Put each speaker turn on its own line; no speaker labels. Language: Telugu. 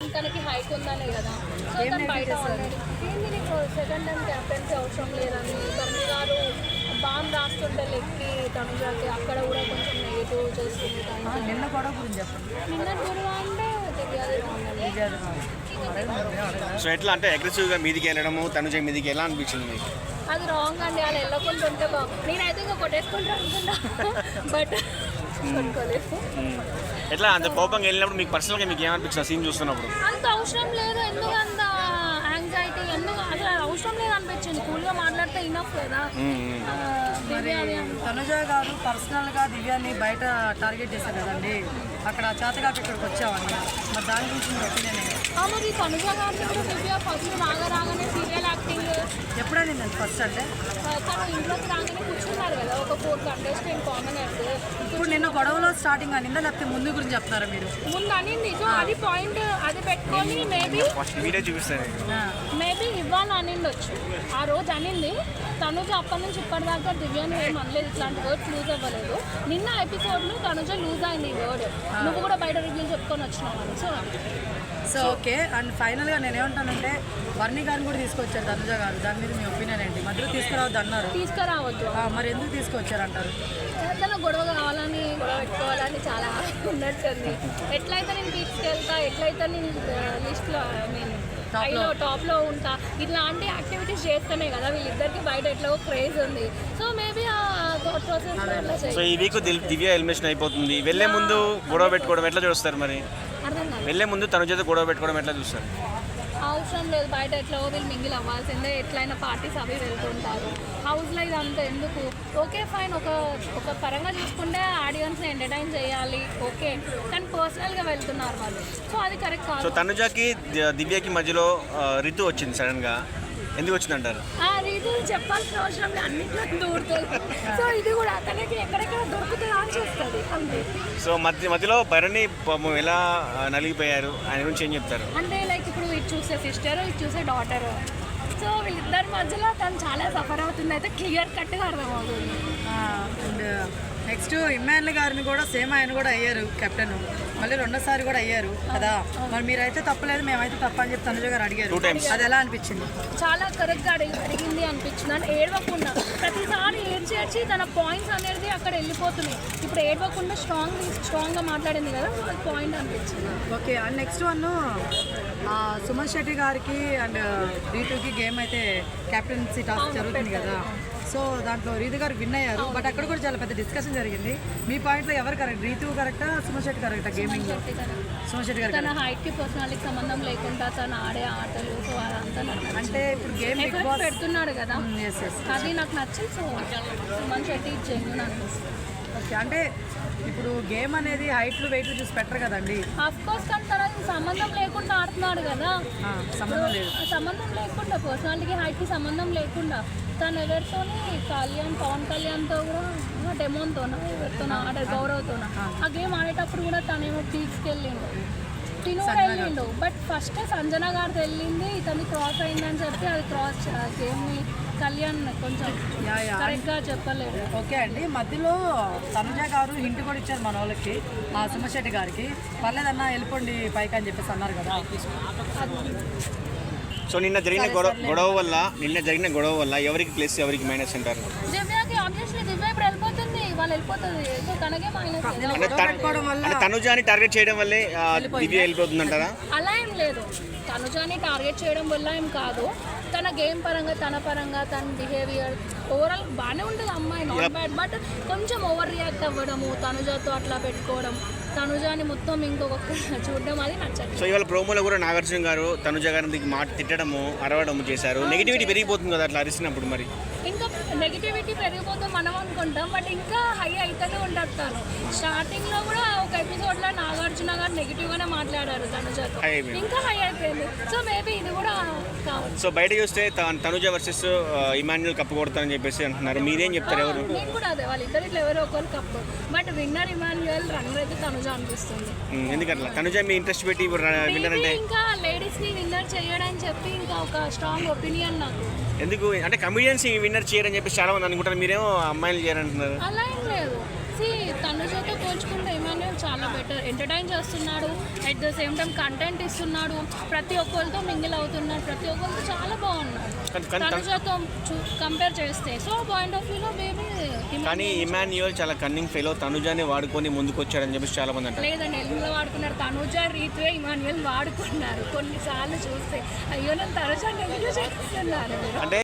తనకి హైట్ ఉందనే కదా. సో తను బయట ఆల్రెడీ ఏంది నీకు సెకండ్ టైం క్యాప్టెన్సీ అవసరం లేదని తను గారు బాంబ్ రాస్తుంటే లెక్కి తనుజాకి అక్కడ కూడా కొంచెం నెగిటివ్ చేస్తుంది.
నిన్న గొడవ గురించి చెప్పండి.
నిన్న గొడవ అంటే
సో ఎట్లా అంటే అగ్రెసివ్గా మీదికి వెళ్ళడము తనుజ మీదికి ఎలా అనిపించింది మీకు?
అది రాంగ్ అండి. అలా వెళ్ళకుండా ఉంటే బాగుంది. నేనైతే ఇంకా కొట్టేసుకుంటా అనుకున్నా బట్ కొట్టుకోలేదు.
ఎట్లా అంత కోపంగా వెళ్ళినప్పుడు మీకు పర్సనల్గా మీకు ఏమనిపించింది సీన్ చూస్తున్నప్పుడు?
అంత అవసరం లేదు. ఎందుకు అంత యాంగ్జైటీ, ఎందుకు అసలు అవసరం లేదు అనిపించింది. కూల్గా మాట్లాడితే ఇనఫ్ కదా.
తనుజ గారు పర్సనల్గా దివ్యాన్ని బయట టార్గెట్ చేశారు కదండి, అక్కడ చేతగాక ఇక్కడికి వచ్చామని, మరి దాని గురించి మీరు ఒపీనియన్ ఏంటి?
మరి తనుజ గారిని కూడా దివ్య ఫస్ట్ రాగానే సీరియల్ యాక్టింగ్
ఎప్పుడైనా నేను ఫస్ట్ అంటే
తను ఇంట్లోకి రాగానే కూర్చున్నారు కదా ఒక 4 కంటెస్టెంట్ కామనర్స్.
ఇప్పుడు నిన్న గొడవలో స్టార్టింగ్ అనిందా లేకపోతే ముందు గురించి చెప్తారా మీరు?
ముందు అనింది. సో అది పాయింట్ అది పెట్టుకొని మేబీ ఇవ్వాలి అనిండొచ్చు. ఆ రోజు అనింది తనుజ. అప్పటి నుంచి ఇప్పటిదాకా దివ్యాన్ని ఏం అనలేదు, ఇట్లాంటి వర్డ్స్ లూజ్ అవ్వలేదు. నిన్న ఎపిసోడ్లో తనుజ లూజ్ అయింది ఈ వర్డ్. నువ్వు కూడా బయట రివ్యూ చెప్పుకొని వచ్చినావు అని.
So okay. అండ్ ఫైనల్గా నేను ఏమంటానంటే వర్ణి గారిని కూడా తీసుకొచ్చారు తనుజ గారు, దాని మీద మీ ఒపీనియన్ ఏంటి? మధ్యలో తీసుకురావద్దు అన్నారు.
తీసుకురావద్దు.
మరి ఎందుకు తీసుకొచ్చారంటారు?
ఏదైనా గొడవ కావాలని గొడవ పెట్టుకోవాలని చాలా ఉన్నట్టుంది. ఎట్లయితే నేను తీసుకెళ్తా, ఎట్లయితే నేను లిస్ట్లో టాప్లో ఉంటా, ఇట్లాంటి యాక్టివిటీస్ చేస్తేనే కదా వీళ్ళిద్దరికి బయట ఎట్లా క్రేజ్ ఉంది. సో మేబీ ఆ థాట్ ప్రాసెస్.
సో ఈ వీక్ దివ్య ఎలిమినేషన్ అయిపోతుంది. వెళ్ళే ముందు గొడవ పెట్టుకోవడం ఎట్లా చూస్తారు? మరి
అర్థం కాదు.
వెళ్ళే ముందు తన చేత గొడవ పెట్టుకోవడం ఎట్లా చూస్తారు?
అవసరం లేదు. బయట ఎట్లా వీళ్ళు మింగిల్ అవ్వాల్సిందే. ఎట్లయినా పార్టీస్ అవి వెళ్తుంటారు. హౌస్లో ఇదంతా ఎందుకు? ఓకే ఫైన్, ఒక పరంగా చూసుకుంటే ఆడియన్స్ని ఎంటర్టైన్ చేయాలి ఓకే, కానీ పర్సనల్గా వెళ్తున్నారు వాళ్ళు. సో అది కరెక్ట్ కాదు.
సో తనుజకి దివ్యకి మధ్యలో రితు వచ్చింది సడన్గా, ఎందుకు వచ్చిందంటారు?
ఆ రీతి చెప్పాల్సిన అవసరం అన్నింటిలో దూరుతుంది. సో ఇది కూడా తనకి ఎక్కడెక్కడ దొరుకుతుందా అని చేస్తుంది అంతే.
సో మధ్యలో భరణి ఎలా నలిగిపోయారు ఆయన గురించి ఏం చెప్తారు?
అంటే లైక్ ఇప్పుడు ఇది చూసే సిస్టర్, ఇది చూసే డాటర్. సో వీళ్ళిద్దరి మధ్యలో తను చాలా సఫర్ అవుతుంది. అయితే క్లియర్ కట్గా అర్థమవుతుంది.
అండ్ నెక్స్ట్ ఇమ్మాన్యుల్ గారిని కూడా సేమ్ ఆయన కూడా అయ్యారు కెప్టెన్, మళ్ళీ రెండోసారి కూడా అయ్యారు కదా. మరి మీరైతే తప్పలేదు, మేమైతే తప్ప అని చెప్పి తనుజ గారు అడిగారు. అది ఎలా అనిపించింది?
చాలా కరెక్ట్గా అడిగింది అనిపించింది. అంటే ఏడవకుండా ప్రతిసారి ఏడ్చి తన పాయింట్స్ అనేది అక్కడ వెళ్ళిపోతున్నాయి. ఇప్పుడు ఏడవకుండా స్ట్రాంగ్గా మాట్లాడింది కదా, అది పాయింట్ అనిపించింది.
Okay. And next one Suman Shetty గారికి అండ్ రీతుకి గేమ్ అయితే కెప్టెన్సీ టాస్క్ జరుగుతుంది కదా. సో దాంట్లో రీతు గారు విన్ అయ్యారు. బట్ అక్కడ కూడా చాలా పెద్ద డిస్కషన్ జరిగింది. మీ పాయింట్లో ఎవరు కరెక్ట్? రీతు కరెక్టా, సుమన్ శెట్టి కరెక్టా? గేమింగ్ సుమన్ శెట్టి గారు
తన హైట్కి పర్సనాలిటీకి సంబంధం లేకుండా తను ఆడే ఆటలు. సో అదంతా
అంటే ఇప్పుడు గేమ్
పెడుతున్నాడు కదా, అది నాకు నచ్చింది. సో సుమన్ శెట్టి జెన్యూన్ అనిపిస్తుంది.
ఓకే. అంటే ఇప్పుడు గేమ్ అనేది హైట్లు వెయిట్లు చూసి పెట్టరు కదండి.
ఆఫ్ కోర్స్, కానీ తన సంబంధం లేకుండా ఆడుతున్నాడు కదా. సంబంధం లేకుండా పర్సనాలిటీకి హైట్కి సంబంధం లేకుండా తను ఎవరితోని పవన్ కళ్యాణ్తో కూడా డెమోన్తోనా ఎవరితోనా ఆడారు, గౌరవ్తోనా. ఆ గేమ్ ఆడేటప్పుడు కూడా తనేమో పీక్స్కి వెళ్ళిండు, తిను వెళ్ళిండు. బట్ ఫస్ట్ సంజన గారితో వెళ్ళింది, ఇతన్ని క్రాస్ అయిందని చెప్పి అది క్రాస్ గేమ్ని కళ్యాణ్ కొంచెం కరెక్ట్గా చెప్పలేదు.
ఓకే అండి. మధ్యలో తనుజ గారు హింట్ కూడా ఇచ్చారు మన వాళ్ళకి, ఆ సుమన్ శెట్టి గారికి, పర్లేదన్నా వెళ్ళిపోండి పైకి అని చెప్పేసి అన్నారు కదా.
సో నిన్న జరిగిన గొడవ వల్ల ఎవరికి ప్లస్ ఎవరికి మైనస్ అంటారు?
దివ్యకి ఆబ్వియస్లీ దివ్య ఇప్పుడు వెళ్ళిపోతుంది, వాళ్ళు వెళ్ళిపోతుంది. సో తనకే మైనస్.
తనుజాని టార్గెట్ చేయడం వల్లే దివ్య వెళ్ళిపోతుంది అంటారా?
అలా ఏం లేదు. తనుజాని టార్గెట్ చేయడం వల్ల ఏం కాదు. తన గేమ్ పరంగా, తన పరంగా, తన బిహేవియర్ ఓవరాల్ బాగానే ఉంటుంది అమ్మాయి, నాట్ బ్యాడ్. బట్ కొంచెం ఓవర్ రియాక్ట్ అవ్వడము, తనుజాతో అట్లా పెట్టుకోవడం, తనుజాని మొత్తం ఇంకొక చూడడం అది నచ్చదు.
సో ఇవాళ ప్రోమోలో కూడా నాగార్జున గారు తనుజ గారిని మాట తిట్టడము, అరవడము చేశారు. నెగిటివిటీ పెరిగిపోతుంది కదా అట్లా అరిసినప్పుడు? మరి
ఇంకా నెగిటివిటీ పెరిగిపోతుంది మనం అనుకుంటాం, బట్ ఇంకా హై అయితేనే ఉంటుంది. తను స్టార్టింగ్లో కూడా ఒక ఎపిసోడ్లో నాగార్జున గారు నెగిటివ్గానే మాట్లాడారు తనుజతో, ఇంకా హై అయిపోయింది. సో మేబీ ఇది కూడా కావచ్చు.
సో బయట చూస్తే తనుజ వర్సెస్ ఇమాన్యుల్ కప్పు కొడతారని చెప్పేసి అంటున్నారు. మీరేం చెప్తారు? ఎవరు?
నేను కూడా అదే, వాళ్ళిద్దరు ఇట్లా ఎవరో ఒకరు cup. But winner Emmanuel, runner అయితే తనుజ అనిపిస్తుంది.
ఎందుకట్లా? తనుజ మీ ఇంట్రెస్ట్ పెట్టి విన్నర్ అంటే
ఇంకా లేడీస్ని విన్నర్ చేయడని చెప్పి ఇంకా ఒక స్ట్రాంగ్ ఒపీనియన్ నాకు.
ఎందుకు అంటే కమెడియన్స్ విన్నర్ చేయరని చెప్పి చాలా మంది అనుకుంటారు, మీరేమో అమ్మాయిలు చేయరంటున్నారు.
అలా ఏం లేదు. వచ్చేసి తనుజతో పోల్చుకుంటే ఇమాన్యుయల్ చాలా బెటర్, ఎంటర్టైన్ చేస్తున్నాడు, at the same time content ఇస్తున్నాడు, ప్రతి ఒక్కరితో మింగిల్ అవుతున్నాడు, ప్రతి ఒక్కరితో చాలా బాగున్నాడు తనుజతో కంపేర్ చేస్తే. సో పాయింట్ ఆఫ్ వ్యూలో బేబీ
కానీ ఇమాన్యుయల్ చాలా కన్నింగ్ ఫెయిల్, తనుజాని వాడుకొని ముందుకు వచ్చాడని చెప్పేసి చాలా మంది అంటారు.
లేదండి, ఎందులో వాడుకున్నారు, తనుజ రీతివే ఇమాన్యుయల్ వాడుకున్నారు. కొన్నిసార్లు చూస్తే అయ్యో నేను తనుజాని ఎందుకు చేస్తున్నారు
అంటే